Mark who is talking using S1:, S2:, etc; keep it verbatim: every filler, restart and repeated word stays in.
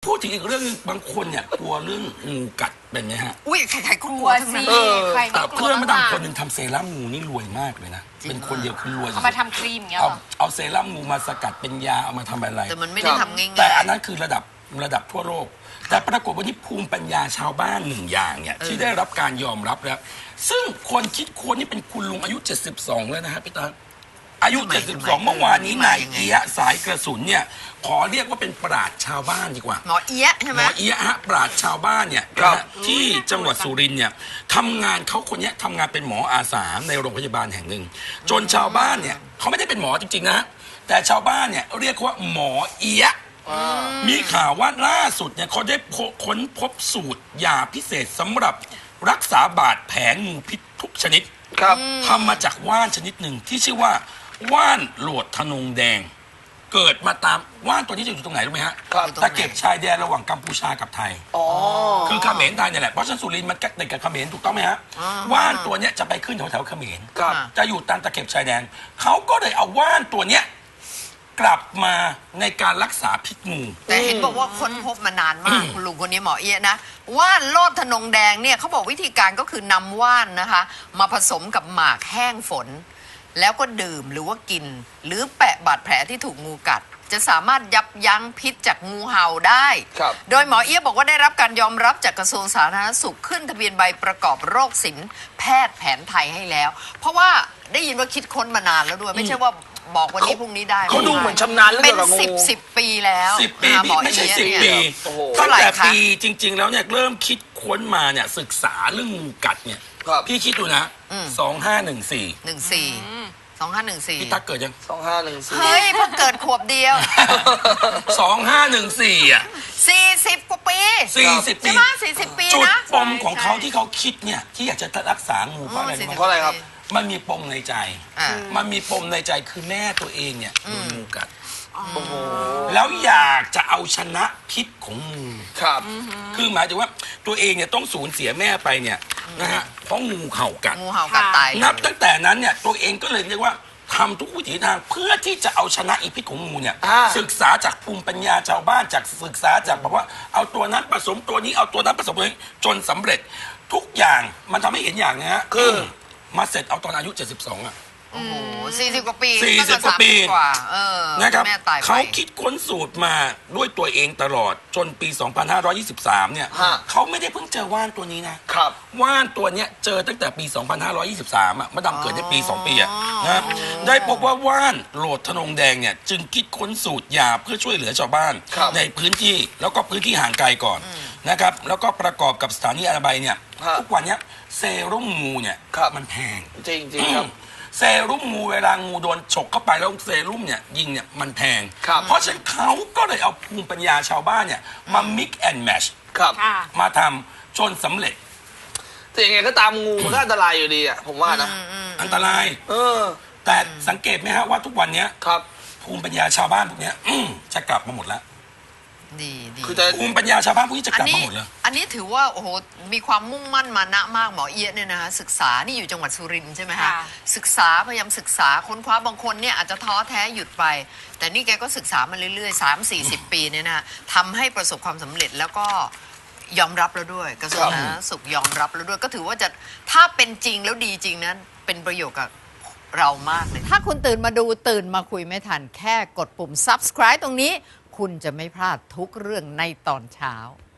S1: พูดถึงอีกเรื่องนึงบางคนเนี่ยกลัวเรื่องงูกัดเป็นไหมฮะ
S2: อุ้ยใครๆก็กลัวทั้งนั้น
S3: ใคร
S1: แต่
S3: ไม่กลัว
S1: เพื่อนมาดามคนหนึ่งทำเซรั่มงูนี่รวยมากเลยนะเป็นคนเดียวคือรวย
S3: เอามาทำครีมอย่างเงี้ย
S1: เอา
S3: หรอ
S1: เอาเซรั่มงูมาสกัดเป็นยาเอามาทำอะไร
S2: แต่มันไม่ได้ทำง่ายๆ
S1: แต่อันนั้นคือระดับระดับทั่วโลกแต่ปรากฏว่าที่ภูมิปัญญาชาวบ้านหนึ่งอย่างเนี่ยที่ได้รับการยอมรับแล้วซึ่งคนคิดค้นนี่เป็นคุณลุงอายุเจ็ดสิบสองแล้วนะฮะพี่ตาอายุเจ็ดสิบสองเมื่อวานนี้นายเอียะสายกระสุนเนี่ยขอเรียกว่าเป็นปราชญ์ชาวบ้านดีกว่า
S2: หมอเอียะใช่ไห
S1: มหมอเอียะฮะปราชญ์ชาวบ้านเนี่ยที่จังหวัดสุรินทร์เนี่ยทำงานเขาคนนี้ทำงานเป็นหมออาสาในโรงพยาบาลแห่งหนึ่งจนชาวบ้านเนี่ยเขาไม่ได้เป็นหมอจริงๆนะแต่ชาวบ้านเนี่ยเรียกว่าหมอเอียะมีข่าวว่าล่าสุดเนี่ยเขาได้ค้นพบสูตรยาพิเศษสำหรับรักษาบาดแผลงูพิษทุกชนิดทำมาจากว่านชนิดหนึ่งที่ชื่อว่าว่านโหลดทนงแดงเกิดมาตามว่านตัวนี้จะอยู่ตรงไหนรู้ไหมฮะตะเก็บชายแดนระหว่างกัมพูชากับไทยคือเขมรไทยเนี่ยแหละเพราะฉะนั้นสุรินทร์มันใกล้กับเขมรถูกต้องไหมฮะว่านตัวเนี้ยจะไปขึ้นแถวแถวเขมรจะอยู่ตามตะเก็บชายแดนเขาก็เลยเอาว่านตัวเนี้ยกลับมาในการรักษาพิษงู
S2: แต่เห็นบอกว่าค้นพบมานานมากคุณลุงคนนี้หมอเอียะนะว่านโลดทนงแดงเนี่ยเขาบอกวิธีการก็คือนำว่านนะคะมาผสมกับหมากแห้งฝนแล้วก็ดื่มหรือว่ากินหรือแปะบาดแผลที่ถูกงูกัดจะสามารถยับยั้งพิษจากงูเห่าได้โดยหมอเอี้ยบอกว่าได้รับการยอมรับจากกระทรวงสาธารณสุขขึ้นทะเบียนใบประกอบโรคศิลป์แพทย์แผนไทยให้แล้วเพราะว่าได้ยินว่าคิดค้นมานานแล้วด้วยไม่ใช่ว่าบอกวันนี้พรุ่งนี้ได้
S4: เขาดูเหมือนชำนาญเรื่อง
S2: เป็นสิบสิบปีแล้ว
S1: สิบปีไม่ใช่สิบปีตั้งแต่ปีจริงๆแล้วเนี่ยเริ่มคิดค้นมาเนี่ยศึกษาเรื่องงูกัดเนี่ยพี่คิดดูนะสองห้าหนึ่งสี่
S2: หนึ่งสี่สองห้าหนึ่งสี่
S1: พี่ตั๊กเกิดยัง
S4: สองห้าหนึ่งสี่
S2: เฮ้ยเพิ่งเกิดขวบเดียว
S1: สองห้าหนึ่งสี่อ่ะ
S2: สี่สิบกว่าปี
S1: สี่สิบปี
S2: ใช่ไหมสี่สิบปีนะ
S1: จุดปมของเขาที่เขาคิดเนี่ยที่อยากจะรักษางูเพราะอะไร
S4: เพราะอะไรครับ
S1: มันมีปมในใจมันมีปมในใจคือแม่ตัวเองเนี่ยโดนงูกัดแล้วอยากจะเอาชนะพิษของงู
S4: ครับ
S1: คือหมายถึงว่าตัวเองเนี่ยต้องสูญเสียแม่ไปเนี่ยนะฮะเพราะงูเห่ากัด
S2: งูเห่ากัดตาย
S1: นับตั้งแต่นั้นเนี่ยตัวเองก็เลยเรียกว่าทำทุกวิถีทางเพื่อที่จะเอาชนะอีพิษของงูเนี่ยศึกษาจากภูมิปัญญาชาวบ้านจากศึกษาจากแบบว่าเอาตัวนั้นผสมตัวนี้เอาตัวนั้นผสมตัวนี้จนสำเร็จทุกอย่างมันทำให้เห็นอย่างนะฮะคือมาเสร็จเอาตอนอายุเจ็ดสิบสองอ่ะ
S2: โอ้โหสี่สิบกว่าปี
S1: สี่สิบกว่าปี
S2: กว่าเออ
S1: นะครับเขาคิดค้นสูตรมาด้วยตัวเองตลอดจนปีสองพันห้าร้อยยี่สิบสามเนี่ยเขาไม่ได้เพิ่งเจอว่านตัวนี้นะครับว่านตัวเนี้ยเจอตั้งแต่ปีสองพันห้าร้อยยี่สิบสามอ่ะมาดำเกิดในปีสองปีอ่ะนะได้พบว่าว่านโหลดทนงแดงเนี่ยจึงคิดค้นสูตรยาเพื่อช่วยเหลือชาวบ้านในพื้นที่แล้วก็พื้นที่ห่างไกลก่อนนะครับแล้วก็ประกอบกับสถานีอนามัยเนี่ยทุกวันนี้เซรุ่มงูเนี่ยมันแพง
S4: จริงจริงครับ
S1: เซรุ่มงูเวลางูโดนฉกเข้าไปแล้วเซรุ่มเนี่ยยิงเนี่ยมันแพงเพราะฉะนั้นเขาก็เลยเอาภูมิปัญญาชาวบ้านเนี่ยมา mix and match มาทำจนสำเร็จ
S4: แต่ยังไงก็ตามงูมันก็อันตรายอยู่ดีอ่ะผมว่านะ
S1: อันตรายเออแต่สังเกตไหมฮะว่าทุกวันนี้ภูมิปัญญาชาวบ้านพวกนี้จะกลับมาหมดแล้ว
S2: ดีดี
S1: คือภูมิปัญญาชาวบ้านพวกนี้จะกลับมาหมดเลย
S2: อันนี้ถือว่าโอ้โหมีความมุ่งมั่นมานะมากหมอเอี้ยเนี่ยนะคะศึกษานี่อยู่จังหวัดสุรินทร์ใช่ไหมคะศึกษาพยายามศึกษาค้นคว้าบางคนเนี่ยอาจจะท้อแท้หยุดไปแต่นี่แกก็ศึกษามาเรื่อยๆสามสี่สิบปีเนี่ยนะทำให้ประสบความสำเร็จแล้วก็ยอมรับแล้วด้วยกระทรวงสาธารณสุขยอมรับแล้วด้วยก็ถือว่าจะถ้าเป็นจริงแล้วดีจริงนั้นเป็นประโยชน์กับเรามากเลยถ้าคุณตื่นมาดูตื่นมาคุยไม่ทันแค่กดปุ่ม ซับสไครบ์ ตรงนี้คุณจะไม่พลาดทุกเรื่องในตอนเช้า